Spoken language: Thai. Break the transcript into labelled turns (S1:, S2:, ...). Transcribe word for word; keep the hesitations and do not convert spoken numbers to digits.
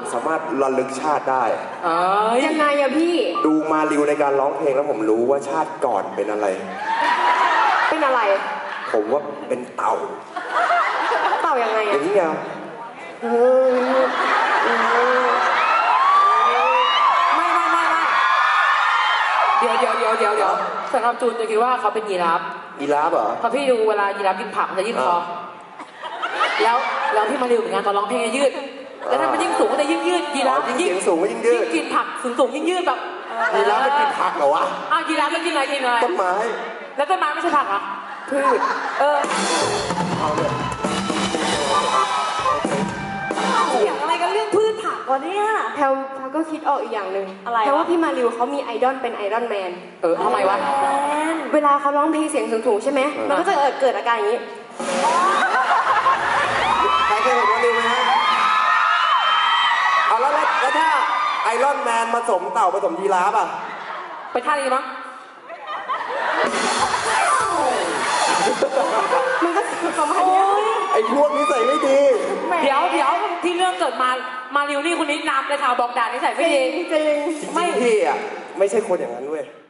S1: สามารถระลึกชาติได้
S2: ยังไงอะพี่
S1: ดูมาริวในการร้องเพลงแล้วผมรู้ว่าชาติก่อนเป็นอะไร
S2: เป็นอะไร
S1: ผมว่าเป็นเต่า
S2: เต่ายังไงอะ
S1: อย่างนี้ไง
S3: ไม่ไม่ไม่ไม่เดี๋ยวเดี๋ยวเดี๋ยวเดี๋ยวเดี๋ยวสำหรับจูนจะคิดว่าเขาเป็นยีราฟ
S1: ยีราฟเหรอ
S3: พอพี่ดูเวลายีราฟกินผักมันจะยืดคอแล้วแล้วพี่มาริวเหมือนกันตอนร้องเพลงยืดแล้วถ้ามันยิ่งสูงก็จะยิ่งยืดยีราฟ
S1: ยิ่งสูงก็ยิ่งยืด
S3: ยิ่งกินผักสูงสูงยิ่งยืดแบบ
S1: ยีราฟไม่กินผักเหรอวะ
S3: อ้าวยีราฟไม่กินอะไรกินอะไร
S1: ต้นไม้
S3: แล้วต้นไม้ไม่ใช่ผักเหรอ
S1: พืช
S3: เออ
S1: เอาเลย
S2: เกี่ยวอะไรกันเรื่องพืชผักวะเนี่ยแพลวแพลวก็คิดออกอีกอย่างหนึ่งอะไรเพราะว่าพี่มาริวเขามีไอดอลเป็นไอรอนแมน
S3: เออทำไมวะ
S2: เวลาเขาร้องเพลงเสียงสูงๆใช่ไหมมันก็จะเกิดอาการอย่างนี้
S1: ใครเคยเห็นมาริวไหมฮะเอาแล้วแล้วถ้าไอรอนแมนผสมเต่าผสมยีราฟอ่ะ
S3: ไปท่านี้มั้ง
S2: มันก็ประมาณนี้
S1: ไอพวกนี้ใส่ไม่ดี
S3: เดี๋ยวเดี๋ยวที่เรื่องเกิดมามาริวนี่คนนี้นำเลยค่ะบอกด่านิสัยไม่ดี
S2: จริง
S1: ไม่พี่อ่ะไม่ใช่คนอย่างนั้นเว้ย